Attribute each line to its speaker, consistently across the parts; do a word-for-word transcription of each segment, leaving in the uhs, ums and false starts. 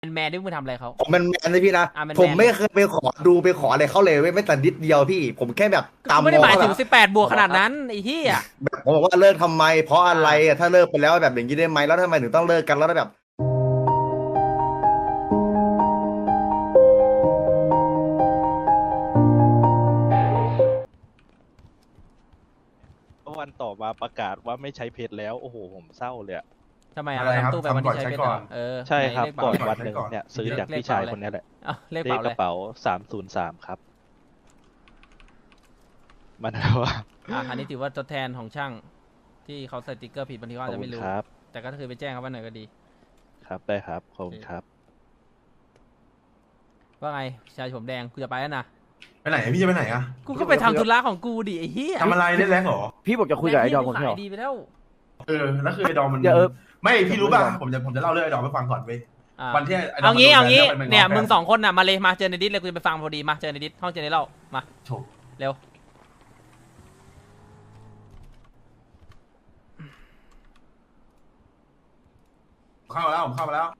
Speaker 1: แมนที่มึงทำอะไรเขา
Speaker 2: ผมเป็นแมนเลยพี่นะ
Speaker 1: อ่ะแมน
Speaker 2: ผมไม่
Speaker 1: แมนเลย
Speaker 2: เคยไปขอดูไปขออะไรเขาเลยเว้ยไม่แต่นิดเดียวพี่ผมแค่แบบ
Speaker 1: ก็ไม่ได้หมาย
Speaker 2: ตามมองเขาแบบ
Speaker 1: ถึงสิบแปดบวกขนาดนั้นไอ้เหี้ย
Speaker 2: แบบผมบอกว่าเลิกทำไมเพราะ
Speaker 1: อ่
Speaker 2: อะไรอะ
Speaker 1: า
Speaker 2: ถ้าเลิกไปแล้วแบบอย่างนี้ได้ไหมแล้วทำไมถึงต้องเลิกกันแล้วแบบ
Speaker 3: วันต่อมาประกาศว่าไม่ใช้เพจแล้วโอ้โหผมเศร้าเลยอะ
Speaker 1: ทำไมอ่ะ
Speaker 4: อะไรครับ
Speaker 1: เราทำตู้ไปวัน
Speaker 4: ทำก่อน
Speaker 1: ที่ใช้
Speaker 4: ใช้
Speaker 1: เพชร
Speaker 4: ก่
Speaker 1: เหร
Speaker 4: อ
Speaker 1: อน เออ
Speaker 3: ใช่ครับ
Speaker 1: ไหเลข
Speaker 3: ก่อน
Speaker 1: เป๋า
Speaker 3: วันหนึ่งเนี่ยซื้อจากพี่ชายคนนี้แหละ
Speaker 1: อ่ะเลข
Speaker 3: เลข
Speaker 1: เป๋าก เลย
Speaker 3: ระเป๋าสามศูนย์สามครับมันว่า
Speaker 1: อ่ะอันนี้ถือว่าตัวแทนของช่างที่เขาใส่สติ๊กเกอร์ผิดบางทีเขา
Speaker 3: ข
Speaker 1: อา
Speaker 3: อบ
Speaker 1: จจะ
Speaker 3: คุ
Speaker 1: ไม่
Speaker 3: ณ
Speaker 1: รู้
Speaker 3: ครับ
Speaker 1: แต่ก็คือไปแจ้งเขาไว้หน่อยก็ดี
Speaker 3: ครับได้ครับขอบคุณครับ
Speaker 1: ว่าไงชายผมแดงกูจะไปแล้วนะ
Speaker 4: ไปไหนพี่จะไปไหนอะ
Speaker 1: กูก็ไปทำธุระของกูดิไอ้เหี้ย
Speaker 4: ทำอะไรเล่นแรงเหรอ
Speaker 5: พี่บอกจะคุยกับไอ้ดอมก่อน
Speaker 1: ขา
Speaker 5: ใช่เหร
Speaker 1: ย
Speaker 5: อ
Speaker 1: ดีไปแล้ว
Speaker 4: เออแล้วคือไอ้ดอมมัน
Speaker 5: เดี๋ยวเออ
Speaker 4: ไม่พี่รู้ป่ะ
Speaker 5: เดี๋ยว
Speaker 4: ผมจะผมจะเล่าเรื่องไอ้ดอมให้ฟังก่อนเว้ย
Speaker 1: อ่ะ
Speaker 4: วันที่ไอ้ดอม
Speaker 1: เอางี้
Speaker 4: มันโดน
Speaker 1: เอางี้
Speaker 4: แบนแล้วมัน
Speaker 1: เนี่ย
Speaker 4: งอแฟน
Speaker 1: มึงสองคนน่ะมาเลยมาเจอในดิสเลยกูจะไปฟังพอดีมาเจอในดิสห้องเจอในเล่ามา
Speaker 4: โถ
Speaker 1: เร็ว
Speaker 4: เข้ามาแล้วผมเข้ามาแล้ว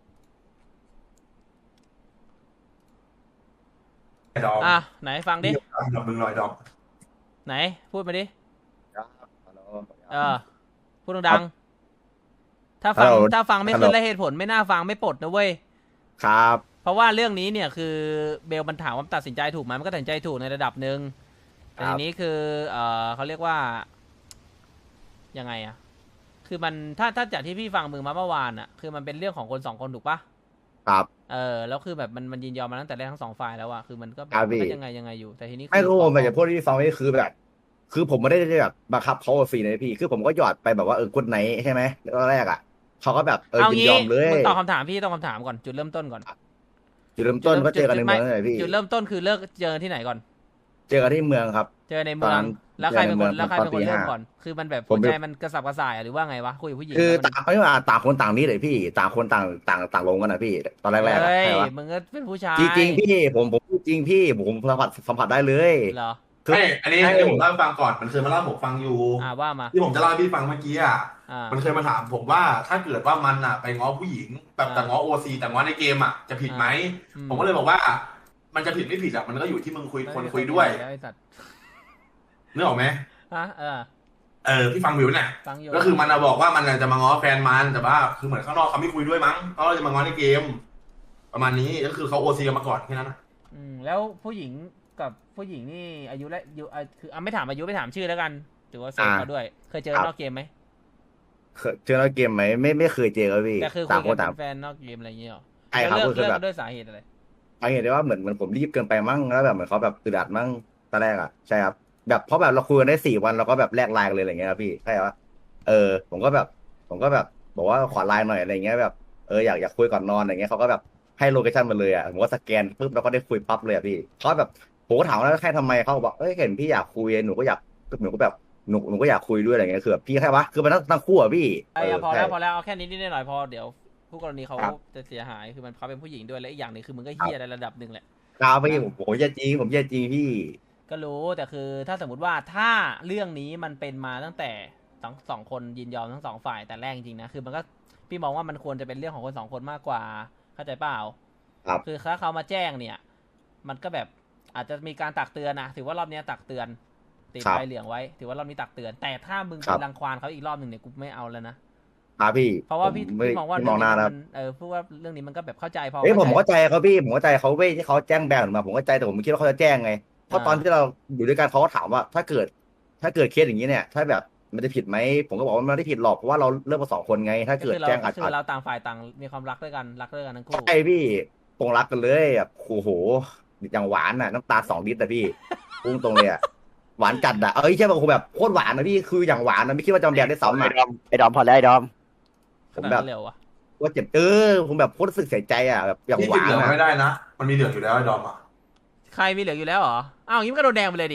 Speaker 4: ไอ้ดอม
Speaker 1: อ่ะไหนฟังดิ
Speaker 4: ดอมมึงหน่อยดอม
Speaker 1: ไหนพูดมาดิ
Speaker 2: ครับฮัลโหล
Speaker 1: เออพูดดังๆถ้าฟัง
Speaker 2: ฮัลโหล
Speaker 1: ถ้าฟังไม่
Speaker 2: ฮัลโหล
Speaker 1: ขึ้นและเหตุผลไม่น่าฟังไม่ปลดนะเว้ย
Speaker 2: ครับ
Speaker 1: เพราะว่าเรื่องนี้เนี่ยคือเบลมันถามว่าตัดสินใจถูกไหมมันก็ตัดสินใจถูกในระดับหนึ่งแต่ทีนี้คือเออเขาเรียกว่ายังไงอะคือมันถ้าถ้าจากที่พี่ฟังมึงมาเมื่อวานอะคือมันเป็นเรื่องของคนสองคนถูกปะ
Speaker 2: ครับ
Speaker 1: เออแล้วคือแบบมันมันยินยอมมาตั้งแต่แรกทั้งสองฝ่ายแล้วอะคือมันก็แบ
Speaker 2: ครับ บ
Speaker 1: มันก็
Speaker 2: พี่
Speaker 1: ยังไงยังไงอยู่แต่ทีนี้
Speaker 2: ไม่รู้ผม
Speaker 1: ข
Speaker 2: แบบจะพูดที่ฟังนี่คือแบบ คือผมไม่ได้แบบบังคับเขาฟรีนะพี่คือผมก็หยอดไปแบบว่าเออกดไหนใช่ไหมตอนแรกอ่ะเขาก็แบบเออ
Speaker 1: เอา
Speaker 2: ยิน
Speaker 1: งี้
Speaker 2: ยอมเลย
Speaker 1: มึงตอบคำถามพี่ตอบคำถามก่อนจุดเริ่มต้นก่อน
Speaker 2: จุดเริ่มต้นก็เจอกันในเมืองเลยพี่
Speaker 1: จุดเริ่มต้นคือเลิกเจอที่ไหนก่อน
Speaker 2: เจอกันที่เมืองครับ
Speaker 1: เจอในเมือง
Speaker 2: ตอน
Speaker 1: แล้วใครเป็นคน
Speaker 2: เจอในเมือง
Speaker 1: แล้วใครเป็น
Speaker 2: ตอน
Speaker 1: ค
Speaker 2: ตี
Speaker 1: นเริ่ม
Speaker 2: ห้า
Speaker 1: ก่อน คือมันแบบ
Speaker 2: ผม
Speaker 1: หัว
Speaker 2: เป็น
Speaker 1: ใจมันกระสับกระส่ายอะหรือว่าไงวะคุยกับผู้หญิง
Speaker 2: คือ
Speaker 1: แล้วมัน
Speaker 2: ต่างไม่ว่าต่างคนต่างนี้เลยพี่ต่างคนต่างต่างต่างลงกันนะพี่ ตอนแรกๆอะ
Speaker 1: เฮ้ย
Speaker 2: ใช่ปะ
Speaker 1: มึงก็เป็นผู้ชาย
Speaker 2: จริงๆพี่ผมผมพูดจริงพี่ผมสัมผัสสัมผัสได้เลย
Speaker 1: เหรอ
Speaker 2: คือ
Speaker 4: ไม่อันนี้
Speaker 2: ใช่
Speaker 4: เดี๋ยวผมเล่าให้ฟังก่อนมันเคยมาเล่าให้ผมฟังอยู่
Speaker 1: อ่าว่ามา
Speaker 4: ที่ผมจะเล่าให้พี่ฟังเมื่อกี้อ่ะ
Speaker 1: อ่า
Speaker 4: มันเคยมาถามผมว่าถ้าเกิดว่ามันอ่ะไปง้อผู้หญิงแบบ
Speaker 1: อ่า
Speaker 4: แต่ง้อโอซีแต่ง้อในเกมอ่ะจะผิดไหม
Speaker 1: อืม
Speaker 4: ผมก็เลยบอกว่า มันจะผิดไม่ผิดอ่ะมันก็อยู่ที่มึงคุยคนคุยด้วย
Speaker 1: แล้วไอ้สัตว์
Speaker 4: นึกออกไหม
Speaker 1: ฮะเออ
Speaker 4: เออพี่ฟังวิวเนี่ย
Speaker 1: ฟังอยู่
Speaker 4: ก็คือมันอะบอกว่ามันจะมาง้อแฟนมันแต่ว่าคือเหมือนข้างนอกเขาไม่คุยด้วยมั้งเขาจะมาง้อในเกม ประมาณนี้ก็คือเขาโอซีกันมาก่อนแค่นั้นนะ
Speaker 1: อืมแล้วผู้หญิงกับผู้หญิงนี่อายุและอายุอ่ะคืออ่ะไม่ถามอายุไม่ถามชื่อแล้วกันถือว่าเซฟเขาด้วย เคยเจอนอกเกมไหม
Speaker 2: เคยเจอในเกมไหมไม่ไม่เคยเจอครับพี่
Speaker 1: แต่คือคุ
Speaker 2: ต่าง
Speaker 1: ย
Speaker 2: ค
Speaker 1: กัน น
Speaker 2: ต่าง
Speaker 1: เป็นแฟนนอกเกมอะไรอย่างเงี้ยหรอ
Speaker 2: ใช่ครับ
Speaker 1: แล้ว
Speaker 2: ก็
Speaker 1: เลิก
Speaker 2: คือ
Speaker 1: เลิก
Speaker 2: แบบ
Speaker 1: กันด้วยสาเหตุอะไร
Speaker 2: เอาเห็นได้ว่าเหมือนเหมือนผมรีบเกินไปมั้งแล้วแบบเหมือนเขาแบบอึดอัดมั้งตอนแรกอ่ะใช่ครับแบบเพราะแบบเราคุยกันได้สี่วันเราก็แบบแลกไลน์กันเลยอะไรเงี้ยครับพี่ใช่ปะเออ ผมก็แบบ ผมก็แบบบอกว่าขอไลน์หน่อยอะไรเงี้ยแบบเอออยากอยากคุยก่อนนอนอะไรเงี้ยเขาก็แบบให้โลเคชั่นมาเลยอ่ะผมก็สแกนปุ๊บแล้วก็ได้คุยปั๊บเลยอ่ะพี่เขาแบบผมก็ถามว่าแล้วแค่ทำไมเขาบอกเอ้ยเห็นพี่อยากคุยหนูก็อยากหนูก็แบบหนูหนูก็อยากคุยด้วยอะไรเงี้ยคือแบบพี่แค่วะคือมันทั้งทั้งคู่อ่ะพี่
Speaker 1: ไอ้
Speaker 2: เออ
Speaker 1: พอแล้ว
Speaker 2: ใช่
Speaker 1: พอแล้วเอาแค่นี้นิดหน่อยพอเดี๋ยวผู้กรณีเขา
Speaker 2: ครับ
Speaker 1: จะเสียหายคือมันเขาเป็นผู้หญิงด้วยและอีกอย่างหนึ่งคือมึงก็เฮี้ยในระดับหนึ่งแหละ
Speaker 2: ครับพี่ผมผมจะจริงผมจะจริงพี่
Speaker 1: ก็รู้แต่คือถ้าสมมติว่าถ้าเรื่องนี้มันเป็นมาตั้งแต่สองสองคนยินยอมทั้งสองฝ่ายแต่แรกจริงๆนะคือมันก็พี่มองว่ามันควรจะเป็นเรื่องของคนสองคนมากกว่าเข้าใจเปล่า
Speaker 2: ครับ
Speaker 1: คือถ้าเขามาแจ้งเนี่ย มันก็แบบอาจจะมีการตักเตือนนะถือว่ารอบนี้ตักเตือนติด
Speaker 2: ครับ
Speaker 1: ใบเหลืองไว้ ถือว่ารอบนี้ตักเตือน แต่ถ้ามึง
Speaker 2: ครั
Speaker 1: ไป
Speaker 2: บ
Speaker 1: รังควานเขาอีกรอบหนึ่งเนี่ยกูไม่เอาแล้วนะ
Speaker 2: ครับพี่
Speaker 1: เพราะว่าพี่
Speaker 2: ผไม่
Speaker 1: พี่มองว่า
Speaker 2: พี่มองหน้า
Speaker 1: เรื่
Speaker 2: นะ
Speaker 1: นี้มันเออพูดว่าเรื่องนี้มันก็แบบเข้าใจพอ
Speaker 2: เอ้ยผม
Speaker 1: เข้าใจ
Speaker 2: เข้าใจเขาพี่ผมเข้าใจเขาเว้ยที่เขาแจ้งแบนมาผมเข้าใจแต่ผมไม่คิดว่าเขาจะแจ้งไงเพราะ
Speaker 1: อ่า
Speaker 2: ตอนที่เราอยู่ด้วยกันเขาก็ถามว่าถ้าเกิด ถ้าเกิดเคสอย่างนี้เนี่ย ถ้าแบบมันจะผิดไหมผมก็บอกว่ามันไม่ได้ผิดหรอกเพราะว่าเราเลิกมาสองคนไง ถ้า
Speaker 1: ก็
Speaker 2: เกิด
Speaker 1: คือเรา
Speaker 2: แจ้งอาจ
Speaker 1: ก็คือเราต่างฝ่ายต่างมีความรักด้วยกันรักด้วยกันทั้งคู่
Speaker 2: ใช่พี่ตรงรักกันเลยแบบโอ้โหอย่างหวานน่ะน้ำตาสองลิตรแต่พี่พุ่งตรงเลยอ่ะหวานจัดอ่ะเอ้ยใช่ป่ะผมแบบโคตรหวานนะพี่คืออย่างหวานนะไม่คิดว่าจะมาแบนได้ซ้ำ
Speaker 5: ไอ้
Speaker 2: อ่ะ
Speaker 5: ดอมไอ้ดอมพอแล้วไอ้ดอม
Speaker 2: ผ
Speaker 1: ข
Speaker 2: ม
Speaker 1: นาด
Speaker 2: แบ
Speaker 1: นั้
Speaker 2: บ
Speaker 1: นเร็วอะ
Speaker 2: ว่าเจ็บเออผมแบบโคตรรู้สึกเสียใจอ่ะแบบอย่าง
Speaker 4: ที่
Speaker 2: ห
Speaker 4: ติด
Speaker 2: วาน
Speaker 4: เหลือง
Speaker 2: อ่ะ
Speaker 4: ไม่ได้นะ มันมีเหลืองอยู่แล้วไอ้ดอมอ่ะ
Speaker 1: ใครมีเหลืออยู่แล้วเหรออ้าวอย่างนี้มันก็โดนแดงไปเลยดิ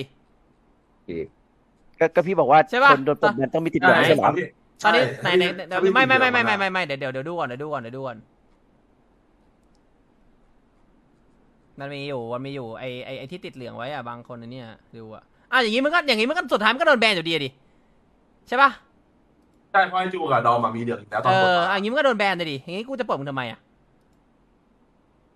Speaker 5: ก็ก็พี่บอกว่า
Speaker 1: ใช่ปะ
Speaker 5: คนโดนปลดแบนต้องมีติดเหลือง
Speaker 1: ไหน
Speaker 5: ไม่ใช่เหรอ
Speaker 1: ตอนนี้ไหน
Speaker 4: ใช่
Speaker 1: ไหนไหน
Speaker 4: ถ้าพี่
Speaker 1: ไม่ไม่ไม่
Speaker 4: ติ
Speaker 1: ไม่
Speaker 4: ดเหลื
Speaker 1: ไม่
Speaker 4: อง
Speaker 1: ไม่ไม่เดี๋ยวเดี๋ยวเดี๋ยวดูก่อนเดี๋ยวดูก่อนเดี๋ยวดูก่อนมันมีอยู่มันมีอยู่ไอไอไอที่ติดเหลืองไว้อะบางคนอันเนี้ยดูอะอ่ะอย่างนี้มันก็อย่างนี้มันก็สุดท้ายมันก็โดนแบนอยู่ดีอะดิใช่ปะ
Speaker 4: ใช่เพราะไอ้จูกับดอมอะมีเหลืองอยู่แล้วตอ
Speaker 1: เอน
Speaker 4: กด
Speaker 1: อ
Speaker 4: มา
Speaker 1: อ่ะอย่างนี้มันก็โดนแบนเลยดิอย่างนี้กูจะเปิดมึงทำไมอะ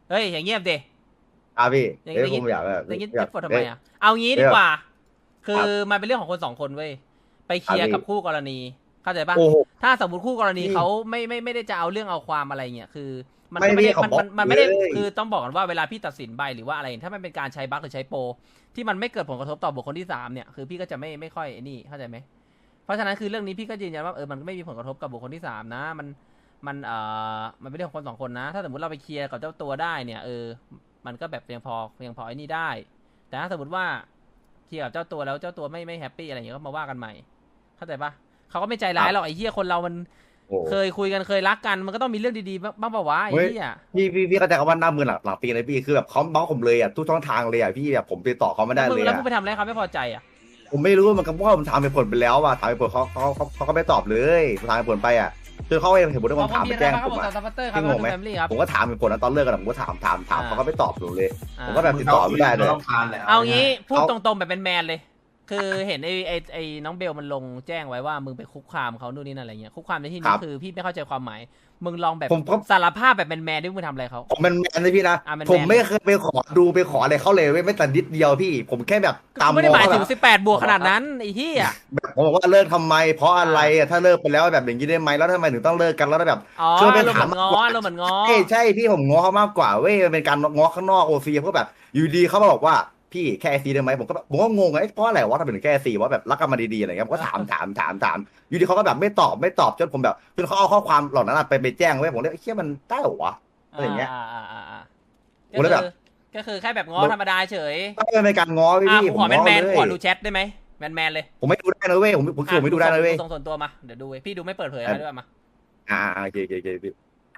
Speaker 1: เฮ้ยอย่างเงียบดิ
Speaker 2: อ่ะพี่
Speaker 1: อย่าง
Speaker 2: เอ้ย
Speaker 1: อย่าง
Speaker 2: ผ
Speaker 1: งี้
Speaker 2: มอยากแบบ
Speaker 1: อย่างงี้
Speaker 2: อยาก
Speaker 1: ปวดทำไมอ่ะเอางี้ดีกว่า คือ
Speaker 2: ครับ
Speaker 1: มันเป็นเรื่องของคนสองคนเว้ยไปเคลียร์
Speaker 2: ครับพี่
Speaker 1: กับคู่กรณีเข้าใจปะ
Speaker 2: โอ้โห
Speaker 1: ถ้าสมมติคู่กรณี
Speaker 2: พี่
Speaker 1: เขาไม่ไม่ไม่ได้จะเอาเรื่องเอาความอะไรเงี้ยคือ มัน
Speaker 2: ไม่
Speaker 1: ก็ไม่ได้
Speaker 2: พี่
Speaker 1: มัน
Speaker 2: เขา
Speaker 1: มันมันไม่ได้
Speaker 2: บอกเลย
Speaker 1: คือต้องบอกกันว่าเวลาพี่ตัดสินใบหรือว่าอะไรถ้ามันเป็นการใช้บั๊กหรือใช้โปรที่มันไม่เกิดผลกระทบต่อบุคคลที่สามเนี่ยคือพี่ก็จะไม่ไม่ค่อยไอ้นี่เข้าใจไหมเพราะฉะนั้นคือเรื่องนี้พี่ก็ยืนยันว่าเออมันไม่มีผลกระทบกับบุคคลที่สามนะมันมันเอ่อมันเป็นเรื่องของคนสองคนนะ ถ้าสมมติเราไปเคลียร์กับเจ้าตัวได้เนี่ยเออมันก็แบบยังพอยังพอไอ้นี่ได้ แต่ถ้าสมมติว่าเคลียร์กับเจ้าตัวแล้วเจ้าตัวไม่ไม่แฮปปี้อะไรอย่างเงี้ยก็มาว่ากันใหม่เข้าใจปะเขาก็ไม่ใจร้ายหรอกไอ้เหี้ยคนเรามัน
Speaker 2: โอ้
Speaker 1: เคยคุยกันเคยรักกันมันก็ต้องมีเรื่องดีๆบ้างบ้างเปล่าวะไอ้
Speaker 2: เฮ้ย
Speaker 1: เหี้ย
Speaker 2: พี่พี่พี่เข้าใจคำว่าหน้ามือหลังหลังปีเลยพี่คือแบบเขาบล็อกผมเลยอ่ะทุกช่องทางเลยอ่ะพี่แบบผมติดต่อเขาไม่ได้
Speaker 1: แล้วมึ
Speaker 2: เล
Speaker 1: ง
Speaker 2: ย
Speaker 1: แล้ว
Speaker 2: อ่ะ
Speaker 1: มึงไปทำอะไรเขาไม่พอใจอ่ะ
Speaker 2: ผมไม่รู้มันก็เพราะว่าผมถามไปผลไปแล้วอ่ะถามไปผลเขาเขาเขาเขาก็ไม่ตอบเลยถามไปผลไปอ่ะคือเขาเองเห็นผมด้วยผมถามไปแจ้งผมอ่ะ
Speaker 1: ซัพพอร์เตอร์ครับ
Speaker 2: พี่งงไหม
Speaker 1: แฟมิลี่ครับ
Speaker 2: ผมก็ถามไปผลนะตอนเลิกกันผมก็ถามถามถาม
Speaker 1: อ่า
Speaker 2: เขาก็ไม่ตอบผมเลย
Speaker 1: อ่า
Speaker 2: ผมก็แบบติดต่อไม่ได้เลย
Speaker 4: ต้องทานแหละ
Speaker 1: เอางี้พูด
Speaker 2: เอา
Speaker 1: ตรงๆแบบเป็นแมนเลย คือเห็นไอ้ไอ้ไอ้น้องเบลมันลงแจ้งไว้ว่ามึงไปคุกคามเขานู่นนี่นั่นอะไรเงี้ยคุกคามในที่นี้คือพี่ไม่เข้าใจความหมายมึงลองแบบ
Speaker 2: ผมก็
Speaker 1: สารภาพแบบแมนๆด้วยมึงทำอะไรเขา
Speaker 2: ผมเป็นแมนเลยพี่นะ
Speaker 1: อ่ะเป็นแมน
Speaker 2: ผมไม่เคยไปขอดูไปขออะไรเขาเลยเว้ยไม่แต่นิดเดียวพี่ ผมแค่แบบตาม
Speaker 1: กูไม่ได้หมายถึง
Speaker 2: แบบ
Speaker 1: สิบแปดบวกขนาดนั้นไอ้เหี้ย
Speaker 2: แบบผมบอกว่าเลิกทำไม เพราะอะไรอ่ะถ้าเลิกไปแล้วแบบอย่างนี้ได้ไหมแล้วทำไมถึงต้องเลิกกันแล้วแบบ
Speaker 1: อ๋อ
Speaker 2: ช่วยไป
Speaker 1: เราเห
Speaker 2: ถา
Speaker 1: มื
Speaker 2: ม
Speaker 1: อนง้อเราเหมือนง้อ
Speaker 2: ใช่ใช่พี่ผมง้อเขามากกว่าเว้ยมันเป็นการง้อข้างนอกโอซีเพราะแบบอยู่ดีเขามาบอกว่าพี่แค่ซีได้ไหมผมก็แบบผมก็งงไอ้เพราะอะไรวะทำไมถึงแค่ซีว่าแบบรักกันมาดีๆอะไรเงี้ยผมก็ถามถามถามถามอยู่ดีเขาก็แบบไม่ตอบไม่ตอบจนผมแบบจนเขาเอาข้อความเหล่านั้นอะไปไปแจ้งไว้ผมเลยเชี่ยมันได้เหรอวะ อะไรอย่างเงี้ย
Speaker 1: อ่าอ่าอ่าอ่า
Speaker 2: โอ้แล้วแบบ
Speaker 1: ก็คือแค่แบบง้อธรรมดาเฉย
Speaker 2: ไม่เป็นการง้อพี่
Speaker 1: อ่ะ
Speaker 2: พี่
Speaker 1: กู
Speaker 2: ผ
Speaker 1: ขอ
Speaker 2: ม
Speaker 1: แมน
Speaker 2: ง้อ
Speaker 1: แมน
Speaker 2: เล
Speaker 1: ขอย ดูแชทได้ไหมแมนแมนเลย
Speaker 2: ผมไม่ดูได้นะเว้ยผมผมคือผมไม่ดูได้นะเว้ย
Speaker 1: ส่งส่วนตัวมาเดี๋ยวดูเว้ยพี่ดูไม่เปิดเผยอะไรด้วยมา
Speaker 2: อ่าโอเคโอเคโอเคพี่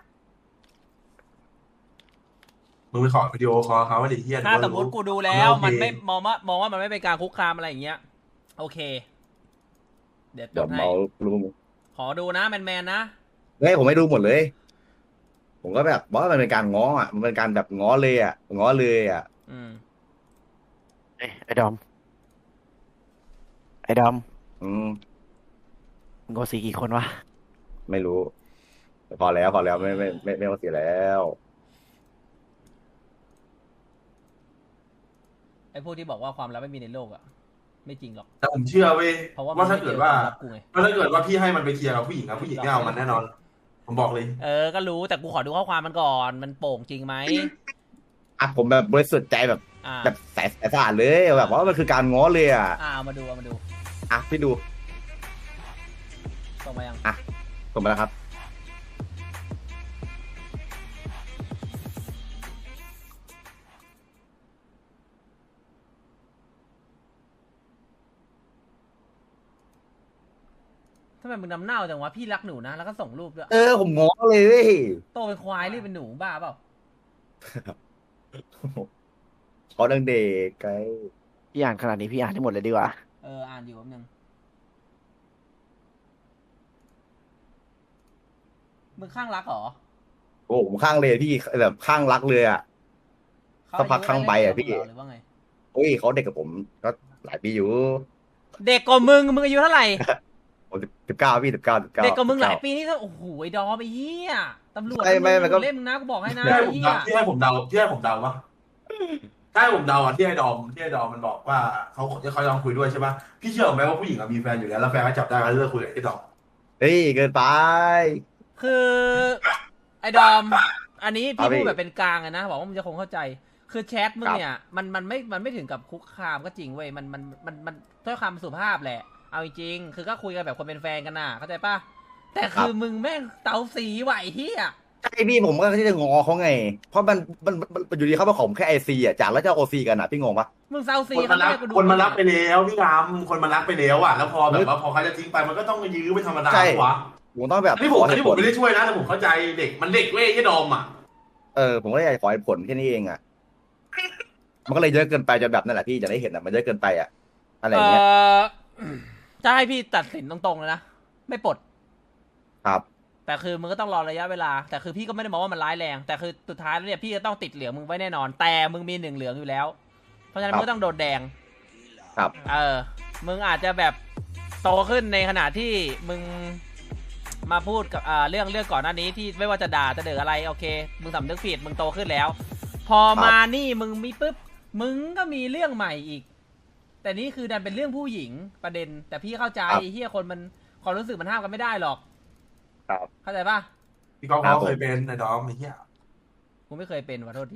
Speaker 4: มึงไปขอวิดีโอคอลเขาว่าดิเฮีย
Speaker 1: ถ้าสมมติกูดูแล้ว
Speaker 4: โอเค
Speaker 1: มันไม่มองว่ามองว่ามันไม่เป็นการคุกคามอะไรอย่างเงี้ยโอเค เดี๋ยวจ
Speaker 2: เดี๋ยว
Speaker 1: ดให้
Speaker 2: เมารู้
Speaker 1: ขอดูนะแมนแมนนะ
Speaker 2: เฮ้ยผมไม่ดูหมดเลย ผมก็แบบว่ามันเป็นการง้ออ่ะมันเป็นการแบบง้อเลยอ่ะง้อเลยอ่ะ
Speaker 1: อืม
Speaker 5: เอ้ยไอ้ดอม ไอ้ดอม
Speaker 2: อืม
Speaker 5: มึงโกสีกี่คนวะ
Speaker 2: ไม่รู้แต่พอแล้วพอแล้วไม่ไม่ไม่ไม่ต้องเสียแล้ว
Speaker 1: ไอ้พวกที่บอกว่าความลับไม่มีในโลกอะไม่จริงหรอก
Speaker 4: แต่ผมเชื่อเว้ย
Speaker 1: เพราะว่า
Speaker 4: ว่าถ้าเกิดว่า
Speaker 1: มันไม่เจอความลับกูไง
Speaker 4: ว่าถ้าเกิดว่าพี่ให้มันไปเคลียร์กับผู้หญิงครับผู้หญิงไม่เอามันแน่นอน ผมบอกเลย
Speaker 1: เออก็รู้แต่กูขอดูข้อความมันก่อนมันโป่งจริงไหม
Speaker 2: อ่ะผมแบบบริสุทธิ์ใจแบบ
Speaker 1: อ่า
Speaker 2: แบบใสใสสะอาดเลยแบบว่ามันคือการง้อเลยอ่ะ
Speaker 1: อ่าเอามาดูเอามาดู
Speaker 2: อ่ะพี่ดู
Speaker 1: ส่งมายัง
Speaker 2: ผมมาแล้วครับ
Speaker 1: ทำไมมึงนำเน่าจังวะพี่รักหนูนะแล้วก็ส่งรูปด้วย
Speaker 2: เออผมง้อเลยเว้ย
Speaker 1: โตเป็นควายหรือเป็นหนูบ้าเปล่า
Speaker 2: เขาดังเด็กไกล
Speaker 5: พี่อ่านขนาดนี้พี่อ่านให้หมดเลยดีกว่า
Speaker 1: เอออ่านอยู่แป๊บนึงมึงข้างรักเหรอ
Speaker 2: โอ้ผมข้างเลยพี่แบบข้างรักเลยอ่ะ
Speaker 1: เขา
Speaker 2: สักพักข้างใบอะพี่
Speaker 1: หรือว่าไง
Speaker 2: โอ้ยเขาเด็กกับผมก็หลายปีอยู่
Speaker 1: เด็กกว่ามึงมึงอายุเท่าไหร่
Speaker 2: ผมสิบเก้าพี่สิบเก้าสิบเก้า
Speaker 1: เด็กกว่ามึงหลายปีนี่ก็โอ้โหไอ้ดอมไอ้เหี้ยตำรวจ
Speaker 2: ไม่ไม่มันก็
Speaker 1: เล่นมึงนะกูบอกให้นะ
Speaker 4: ที่ให้
Speaker 1: ไอ้
Speaker 4: ผม
Speaker 1: เหี้ย
Speaker 4: เดาที่ให้ผมเดาที่ให้ผมเดาวะถ้าให้ผมเดาอ่ะที่ให้ดอมที่ให้ดอมมันบอกว่าเขาเขาลองคุยด้วยใช่ปะพี่เชื่อไหมว่าผู้หญิงอะมีแฟนอยู่แล้วแล้วแฟนก็จับได้แล้วเลิกคุยกับไอ้ดอม
Speaker 2: เฮ้ยเกินไป
Speaker 1: คือไอ้ดอม อันนี้
Speaker 2: ครั
Speaker 1: พี่
Speaker 2: บพี่
Speaker 1: พูดแบบเป็นกลางอะนะบอกว่ามึงจะคงเข้าใจ คือแชทมึง
Speaker 2: ครับ
Speaker 1: เนี่ยมันมันไม่มันไม่ถึงกับคุกคามก็จริงเว้ยมันมันมันมันด้วยความสุภาพแหละ เอาจริงๆคือก็คุยกันแบบคนเป็นแฟนกันน่ะเข้าใจปะแต่คือมึงแม่งเตาสีไหวเฮีย
Speaker 2: ใช่พี่ผมก็ที่จะงอเขาไง เพราะมันมันมันมันอยู่ดีเขามาขอผมแค่ไอซีอ่ะจากแล้วจะโอซีกันอ่ะพี่งงปะ
Speaker 1: มึงเตาสี
Speaker 4: คนมารัก
Speaker 1: เขาไม่ได้กูดู
Speaker 4: คนมารักไปแล้วพี่รำคนมารักไปแล้วอ่ะแล้วพอแบบว่าพอเขาจะทิ้งไปมันก็ต้องยื้อเป็นธรรมดา
Speaker 2: ใช่
Speaker 4: วะ
Speaker 2: ผมต้องแบบ
Speaker 4: อันนี้ผม
Speaker 2: ข
Speaker 4: อัน
Speaker 2: เห
Speaker 4: นี้
Speaker 2: ตุ
Speaker 4: ผ
Speaker 2: ผม ล
Speaker 4: ไม่ได้ช่วยนะแต่ผมเข้าใจเด็กมันเด็กเว้ยที่ดอมอ่ะ
Speaker 2: เออผมก็เลยอยากขอเหตุผลแค่นี้เองอ่ะ มันก็เลยเยอะเกินไปจนแบบนั่นแหละพี่จะได้เห็นอ่ะมันเยอะเกินไปอ่ะอะไร
Speaker 1: เอ
Speaker 2: อย่างเงี้ย
Speaker 1: อจะให้พี่ตัดสินตรงๆเลยนะไม่ปลด
Speaker 2: ครับ
Speaker 1: แต่คือมึงก็ต้องรอระยะเวลา แต่คือพี่ก็ไม่ได้มองว่ามันร้ายแรง แต่คือสุดท้ายแล้วเนี่ยพี่จะต้องติดเหลืองมึงไว้แน่นอน แต่มึงมีหนึ่งเหลืองอยู่แล้ว เพราะฉะนั้น
Speaker 2: ครับ
Speaker 1: มึงก็ต้องโดนแดง
Speaker 2: ครับ
Speaker 1: เออ มึงอาจจะแบบโตขึ้นในขณะที่มึงมาพูดกับอ่าเรื่องเรื่องก่อนหน้านี้ที่ไม่ว่าจะด่าจะเดืออะไรโอเค มึงสำนึกผิดมึงโตขึ้นแล้วพอมานี่มึงมีปุ๊บมึงก็มีเรื่องใหม่อีก แต่นี่คือดันเป็นเรื่องผู้หญิงประเด็น แต่พี่เข้าใจเฮียคนมันความรู้สึกมันห้ามกันไม่ได้หรอก
Speaker 2: ครับ
Speaker 1: เข้าใจป่ะ
Speaker 4: พี่ก๊อฟเขาเคยเป็นไอ้ดอมไอ้เหี้ย
Speaker 1: กูไม่เคยเป็นขอโทษที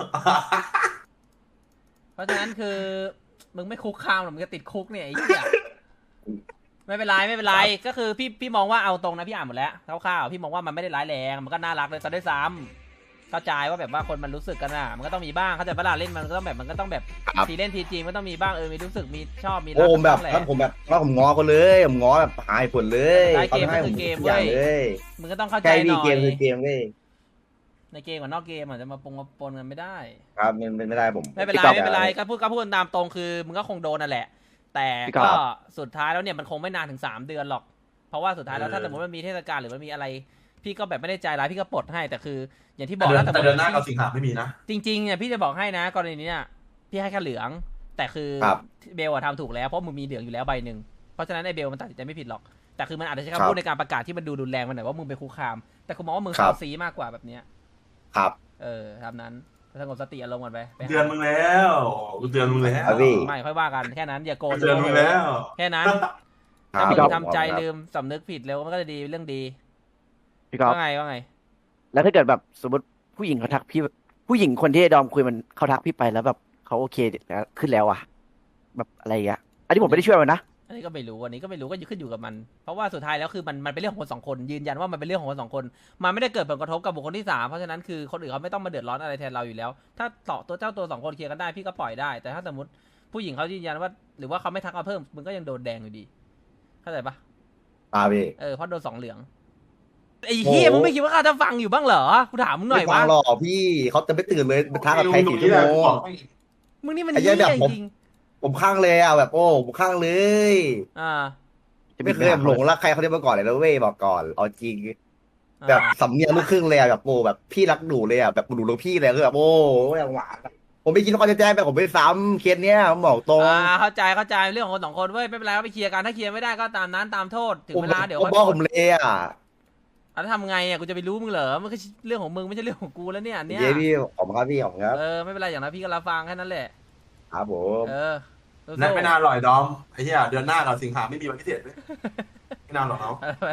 Speaker 1: เพราะฉะนั้นคือมึงไม่คุกคามหรอกมึงจะติดคุกเนี่ยไอ้เหี้ยไม่เป็นไรไม่เป็นไรก็คือพี่พี่มองว่าเอาตรงนะพี่อ่านหมดแล้วคร่าวๆพี่มองว่ามันไม่ได้ร้ายแรงมันก็น่ารักเลยซะด้วยซ้ำเข้าใจว่าแบบว่าคนมันรู้สึกกันอ่ะมันก็ต้องมีบ้างเข้าใจปะล่ะเล่นมันก็ต้องแบบมันก็ต้องแบบ
Speaker 2: ครับ
Speaker 1: ทีเล่นทีจริงมันต้องมีบ้างเออมีรู้สึกมีชอบมีรั
Speaker 2: โอ้
Speaker 1: ก
Speaker 2: ผมแบบ
Speaker 1: กันบ้างแหละ
Speaker 2: ถ้าผมแบบถ้าผมง้อเขาเลยผมง้อแบบหายผลเลย
Speaker 1: ได้เกม
Speaker 2: ขาให้
Speaker 1: ก็
Speaker 2: ผ
Speaker 1: คือ
Speaker 2: ม
Speaker 1: เกม
Speaker 2: ทุกอย่าง
Speaker 1: เว้ย
Speaker 2: เลย
Speaker 1: มึงก็ต้องเข้าใจ
Speaker 2: ใช่
Speaker 1: ห
Speaker 2: พี่
Speaker 1: น่อ
Speaker 2: เกมคื
Speaker 1: ย
Speaker 2: อเกมเว้ย
Speaker 1: ในเกมกับนอกเกมอาจจะมาปงมาปนกันไม่ได้
Speaker 2: ครับมันเป็นไม่ได้ผม
Speaker 1: ไม่เป็นไร
Speaker 2: พี่ก๊อฟ
Speaker 1: ไม่เป็นไรก็พูดก็พูดตามตรงคือมึงก็คงโดนนั่นแหละ แต่
Speaker 5: พี่ก๊อฟ
Speaker 1: ก็สุดท้ายแล้วเนี่ยมันคงไม่นานถึงสามเดือนหรอก เพราะว่าสุดท้ายแล้วถ้าสมมติมันมีเทศกาลหรือมันมีอะไร พี่ก็แบบไม่ได้ใจร้ายพี่ก็ปลดให้แต่คือ อย่างที่บอก
Speaker 4: แต่เดือน
Speaker 1: นะ
Speaker 4: แต่เดือนหน้ากับสิงหาไม่มีนะ
Speaker 1: จริงๆเนี่ยพี่จะบอกให้นะกรณีนี้เนี่ยพี่ให้แค่เหลือง แต่คือ
Speaker 2: ครับ
Speaker 1: เบลอะทำถูกแล้วเพราะมึงมีเหลืองอยู่แล้วใบหนึ่งเพราะฉะนั้นไอ้เบลมันตัดสินใจไม่ผิดหรอกแต่คือมันอาจจะใช้
Speaker 2: ครั
Speaker 1: คำ
Speaker 2: บ
Speaker 1: พูดในการประกาศที่มันดูรุนแรงไปหน่อยว่ามึงไปคุกคาม แต่กูมองว่ามึง
Speaker 2: ครั
Speaker 1: เข้า
Speaker 2: บ
Speaker 1: ซีมากกว่าแบบเนี้ย
Speaker 2: ครับ
Speaker 1: เออทำนั้นสงบสติอารมณ์ก่อนไปไปหา
Speaker 4: เดือนมึงแล้วกูเตือนมึงแล้ว
Speaker 2: ครับพี่
Speaker 1: ไม่ค่อยว่ากันแค่นั้นอย่าโกรธ
Speaker 4: กูเตือนมึงแล้ว
Speaker 1: แค่นั้น
Speaker 2: ครั
Speaker 1: ถ้า
Speaker 2: บ
Speaker 1: มึง
Speaker 2: ครับ
Speaker 1: ทำใจ
Speaker 2: ครับ
Speaker 1: ลืมสำนึกผิดเร็วมันก็จะดีเรื่องดี
Speaker 5: พี่ก๊อฟ
Speaker 1: ว่าไงว่าไง
Speaker 5: แล้วถ้าเกิดแบบสมมติผู้หญิงเขาทักพี่ผู้หญิงคนที่ไอ้ดอมคุยมันเขาทักพี่ไปแล้วแบบเขาโอเคแล้วขึ้นแล้วอะแบบอะไรอย่างเงี้ยอันนี้ผมไม่ได้ช่วยมันนะ
Speaker 1: อันนี้ก็ไม่รู้อันนี้ก็ไม่รู้ก็ขึ้นอยู่กับมัน เพราะว่าสุดท้ายแล้วคือมันมันเป็นเรื่องของคนสองคนยืนยันว่ามันเป็นเรื่องของคนสองคนมันไม่ได้เกิดผลกระทบกับบุคคลที่สามเพราะฉะนั้นคือคนอื่นเขาไม่ต้องมาเดือดร้อนอะไรแทนเราอยู่แล้ว ถ้าต่อตัวเจ้าตัวสองคนเคลียร์กันได้พี่ก็ปล่อยได้ แต่ถ้าสมมติผู้หญิงเขายืนยันว่าหรือว่าเขาไม่ทักมาเพิ่มมึงก็ยังโดนแดงอยู่ดีเข้าใจปะ
Speaker 2: อ่าพี่
Speaker 1: เออเพราะโดนสองเหลืองไอ้เฮียมึงไม่คิดว่าเขาจะฟังอยู่บ้างเหรอกูถามมึงหน่อย
Speaker 2: ไม่ฟั
Speaker 1: ว่า
Speaker 2: งหรอกพี่เขาจะไม่ตื่นเลยไปท้ากับใครสี่ชั่วโมง
Speaker 1: มึงนี่มัน
Speaker 2: ไอ้
Speaker 1: เฮี
Speaker 2: เหี้
Speaker 1: ย
Speaker 2: ยแบบผม
Speaker 1: จริง
Speaker 2: ผมข้างเลยอ่ะแบบโอ้ผมข้างเลย
Speaker 1: ๆอ่า
Speaker 2: ไม่เคยแบบหลงรักใครเขาเรียกมาก่อนเลยนะเว้ยบอกก่อนเอาจริง
Speaker 1: อ่า
Speaker 2: แบบสำเนียงลูกครึ่งเลยอ่ะแบบโอ้แบบพี่รักหนูเลยอ่ะแบบหนูรักพี่เลยคือแบบโอ้อย่างหวานอะผมไม่คิดว่าเขาจะแจ้งไปผมไปซ้ำเคสเนี้ยผมบอกตรง
Speaker 1: อ่าเข้าใจเข้าใจเรื่องของคนสองคนเว้ยไม่เป็นไรก็ไปเคลียร์กันถ้าเคลียร์ไม่ได้ก็ตามนั้นตามโทษถึง
Speaker 2: ผม
Speaker 1: เวลาเดี๋ยว
Speaker 2: ผม
Speaker 1: ค่อย
Speaker 2: บอกผมเลยอ่ะ
Speaker 1: อ่ะแล้วทำไงอ่ะกูจะไปรู้มึงเหรอมันก็เรื่องของมึงไม่ใช่เรื่องของกูแล้วเนี่ยอันเนี้ย
Speaker 2: เย้พี่ขอบคุณครับพี่ขอบคุณครับ
Speaker 1: เออไม่เป็นไรอย่างนั้นพี่ก็รับฟังแค่นั้นแหละ
Speaker 2: ครับผม
Speaker 1: เออสู้ๆ
Speaker 4: นั่นไม่นานหรอกไอ้ดอมไอ้เหี้ยเดือนหน้ากับสิงหาไม่มีวันพิเศษเลยไม่นานหรอกเนาะ
Speaker 1: อะไรวะ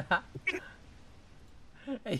Speaker 1: ไอ้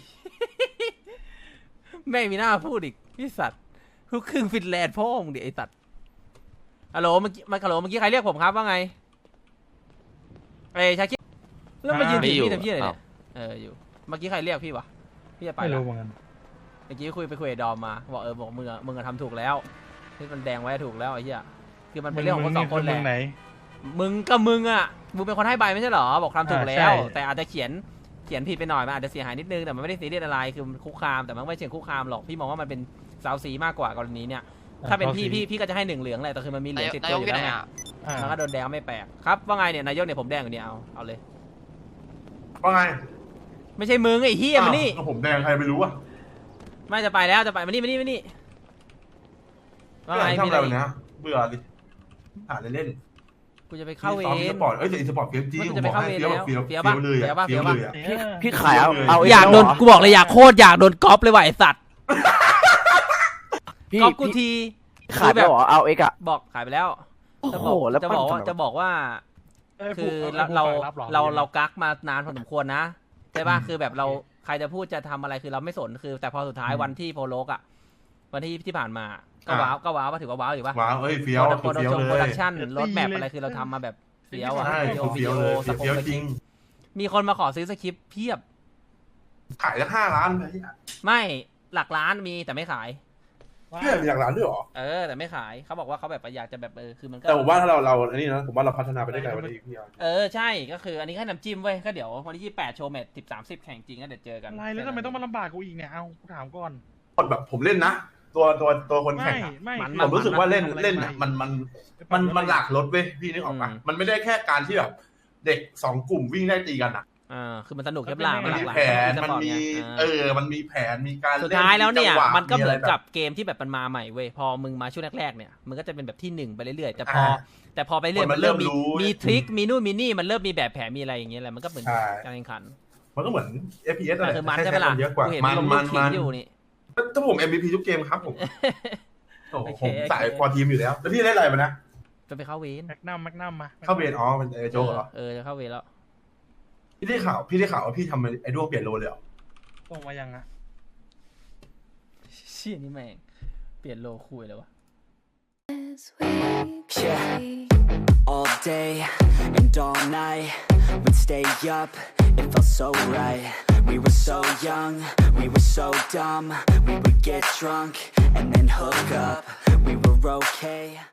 Speaker 1: แม่งมีหน้าพูดอีกพี่สัตว์ลูกครึ่งฟินแลนด์พ่อมึงดิไอ้สัตว์ฮัลโหลเมื่อกี้มาฮัลโหลเมื่อกี้ใครเรียกผมครับว่าไงเอ้ยชาคิดแล้วมายืนถือพี่ทำพี่อะไรเนี่ยเอออยู่เมื่อกี้ใครเรียกพี่วะพี่จะไป
Speaker 6: ไม่
Speaker 1: ละ
Speaker 6: รู้เหมือนกัน
Speaker 1: เมื่อกี้คุยไปคุยกับดอมมาบอกเออบอกมึงอะมึงอะทำถูกแล้วที่มันแดงไว้ถูกแล้วไอ้เหี้ยคือมันเป็นเรื่องของคนสองคนแห
Speaker 6: มึ
Speaker 1: ละ
Speaker 6: ไหน
Speaker 1: มึงก็มึงอ่ะมึงเป็นคนให้ใบไม่ใช่เหรอบอกทำถูก
Speaker 6: อ่า
Speaker 1: แล้ว
Speaker 6: ใช่
Speaker 1: แต่อาจจะเขียนเขียนผิดไปหน่อยมันอาจจะเสียหายนิดนึงแต่มันไม่ได้ซีเรียสอะไรคือมันคุกคามแต่มันไม่เชิงคุกคามหรอกพี่มองว่ามันเป็นสาวสีมากกว่ากรณีเนี่ยถ้าเป็นพี่พี่พี่ก็จะให้หนึ่งเหลืองแหละแต่คือมันมีเหลืองติดตัวอยู่แล้วไง
Speaker 6: อ่า
Speaker 1: มันก็โดนแดงไม่แปลกครับว่าไงเนี่ยนายกเนี่ยผมแดงอยู่เนี่ยเอาเอาเลย
Speaker 4: ว่าไง
Speaker 1: ไม่ใช่มึงไอ้เฮียมานี่
Speaker 4: อ้าวผมแดงใครไม่รู้อ่ะ
Speaker 1: ไม่จะไปแล้วจะไปมานี่มานี่มานี่ว่าไง
Speaker 4: ทำ
Speaker 1: มี
Speaker 4: อะ
Speaker 1: อะไร ไร
Speaker 4: วัน
Speaker 1: อีก
Speaker 4: เนี้ยเบื่อดิหาเล่น
Speaker 1: กูจะไป
Speaker 4: ๆ
Speaker 1: เข้าเว
Speaker 4: ซ้อมอี
Speaker 1: ร
Speaker 4: สปอร์ตเอ้ยแต่อีสปอร์ตเฟี้ยวจริง
Speaker 1: มัน
Speaker 4: ผ
Speaker 1: จะ
Speaker 4: ม
Speaker 1: ไป
Speaker 4: บอก
Speaker 1: เข้า
Speaker 4: ให้
Speaker 1: เวร
Speaker 4: เฟี้ยว
Speaker 1: แล้ว
Speaker 4: เฟี้ยว
Speaker 1: เฟี้
Speaker 4: เฟี้
Speaker 1: ย
Speaker 4: ยว วเลย
Speaker 1: ปะ
Speaker 4: อะ
Speaker 1: เฟี้
Speaker 4: เฟี้
Speaker 1: ย
Speaker 4: ยว
Speaker 1: ปะ
Speaker 4: เลยอะ
Speaker 5: พี่
Speaker 4: เฟี้ยว
Speaker 5: พี่ขายเอา
Speaker 4: ล
Speaker 5: เอาเ
Speaker 1: อยากโดน
Speaker 5: เหร
Speaker 1: กูบอกเลยอยากโคตรอยากโดนก๊อปเลยว่ะไอสัตว์
Speaker 5: พี่
Speaker 1: ก๊อปกู
Speaker 5: พี่
Speaker 1: ที
Speaker 5: ขายไปแล้วเหรอเอาเอกอะ
Speaker 1: บอกขายไปแล้ว
Speaker 5: โอ้
Speaker 1: จะ
Speaker 5: โห
Speaker 1: บอก
Speaker 5: แล้ว
Speaker 1: จะบอกว่า
Speaker 5: ปั้นทำไม
Speaker 1: จะบอกว่า
Speaker 6: เอ้ย
Speaker 1: คือ
Speaker 6: ผู้
Speaker 1: เรา
Speaker 6: ผู้
Speaker 1: เรา
Speaker 6: ฝกบหอ
Speaker 1: เรา
Speaker 6: พี่
Speaker 1: เรากักมานานพอสมควรนะใช่ป่ะคือแบบเราใครจะพูดจะทำอะไรคือเราไม่สนคือ แต่พอสุดท้ายวันที่โพโลกอ่ะวันที่ที่ผ่านมาก็ว้าวก็ว้าวว่าถือว่าว้าวอยู่ป่ะ
Speaker 4: ว้าวเอ้ยเฟี้ยว
Speaker 1: โปร
Speaker 4: เฟี้ยว
Speaker 1: ดัก
Speaker 4: เล
Speaker 1: โปร
Speaker 4: ย
Speaker 1: ดักชั่นรถแมพอะไรคือเราทำมาแบบเฟี้ยวอ่ะ
Speaker 4: ใช่
Speaker 1: วิดีโอวิ
Speaker 4: เฟี้
Speaker 1: ดี
Speaker 4: ยว
Speaker 1: โอ
Speaker 4: เลย
Speaker 1: สป
Speaker 4: เฟี้ยว
Speaker 1: ส
Speaker 4: จ
Speaker 1: ค
Speaker 4: ริ
Speaker 1: ริ
Speaker 4: ง
Speaker 1: ปต์มีคนมาขอซื้อสคริปต์เพียบ
Speaker 4: ขายตั้งห้าล้านเลย
Speaker 1: ไม่หลักล้านมีแต่ไม่ขาย
Speaker 4: เพื่อนมีหลักล้านด้วยเหรอ
Speaker 1: เออ แต่ไม่ขายเขาบอกว่าเขาแบบอยากจะแบบเออคือมันก็
Speaker 4: แต่ผมว่าถ้าเราเราอันนี้นะผมว่าเราพัฒนาไปได้ไกลกว่านี้พี่อาร์
Speaker 1: เออใช่ก็คืออันนี้แค่น้ำจิ้มเว้ยก็เดี๋ยววันที่ยี่สิบแปดโชว์แมตช์สิบสามสิบแข่งจริงก็เดี๋ยวเจอกัน
Speaker 6: อะไรแล้วทำไมต้องมาลำบากกูอีกเนี่ยเอากูถามก่อน
Speaker 4: คนแบบผมเล่นนะ ตัวตัวตัวคน
Speaker 6: ไม่
Speaker 4: แข่งอะ
Speaker 6: ไม่
Speaker 1: มัน
Speaker 6: คือ
Speaker 4: ผมรู้สึกว่าเล่น
Speaker 6: ทำอะไร
Speaker 4: เล่นอะมันมันมันมันหลากรถเว้ยพี่นึกออกปะมันไม่ได้แค่การที่แบบเด็กสองกลุ่มวิ่งได้ตีกันอะ
Speaker 1: อ่าคือมันสนุกแค่หลา
Speaker 4: มัน
Speaker 1: หลา
Speaker 4: มี
Speaker 1: กหลาย
Speaker 4: แผน
Speaker 1: ส
Speaker 4: มัน
Speaker 1: ปอร์ต
Speaker 4: มี
Speaker 1: ไง
Speaker 4: เอ
Speaker 1: อ่า
Speaker 4: อมันมีแผนมีการ
Speaker 1: สุดท้ายแล้วเนี่ย
Speaker 4: จังหะ
Speaker 1: มันก็เหมือน
Speaker 4: ะไรแบบ
Speaker 1: กับเกมที่แบบมันมาใหม่เว้ยพอมึงมาช่วงแรกๆเนี่ยมันก็จะเป็นแบบที่หนึ่งไปเรื่อยๆแต่พอ
Speaker 4: อ่า
Speaker 1: แต่พอไปเรื่อย
Speaker 4: คนมั
Speaker 1: มัน
Speaker 4: น
Speaker 1: เริ่มมี
Speaker 4: เริ่มรู้
Speaker 1: มีทริคมีนู่นมีนี่มันเริ่มมีแบบแผนมีอะไรอย่างเงี้ยแหละมันก็เหมือน
Speaker 4: ใช่
Speaker 1: การแข่งขัน
Speaker 4: มันก็เหมือน เอฟ พี เอส อะไร
Speaker 1: แต่คือมัน
Speaker 4: แค่
Speaker 1: ใช่ปะล่ะ
Speaker 4: คนเยอะกว่า
Speaker 1: กูเห็น
Speaker 4: มัน
Speaker 1: ลง
Speaker 4: มั
Speaker 1: ลู
Speaker 4: น
Speaker 1: กขิ
Speaker 4: มั
Speaker 1: ง
Speaker 4: น
Speaker 1: อยู่นี่
Speaker 4: ถ้าผม เอ็ม วี พี ทุกเกมครับผมโอ้โห
Speaker 1: โอเค
Speaker 4: ผมสาย
Speaker 1: โอเค
Speaker 4: ฟอร์ทีมอยู่แล้วแล้วพี่เล่นอะไรมานะ
Speaker 1: จะไปเข้าเวร
Speaker 6: แมกนัมแมกนัมมา
Speaker 4: เข้าเบนอ๋อเป็นไอ้โจ๊กเหรอ
Speaker 1: เออจะเข้าเวรแล้ว
Speaker 4: พี่ได้ข่าวพี่ได้ข่าวว่าพี่ทำไอ้ด้วงเปลี่ยนโลเลยเหรอ
Speaker 6: ส่งมายังอะ
Speaker 1: เชี่ยนี่แม่งเปลี่ยนโลคุยเลยวะ
Speaker 7: Yeah, all day and all night, we'd stay up, it felt so right. We were so young, we were so dumb, we would get drunk and then hook up, we were okay.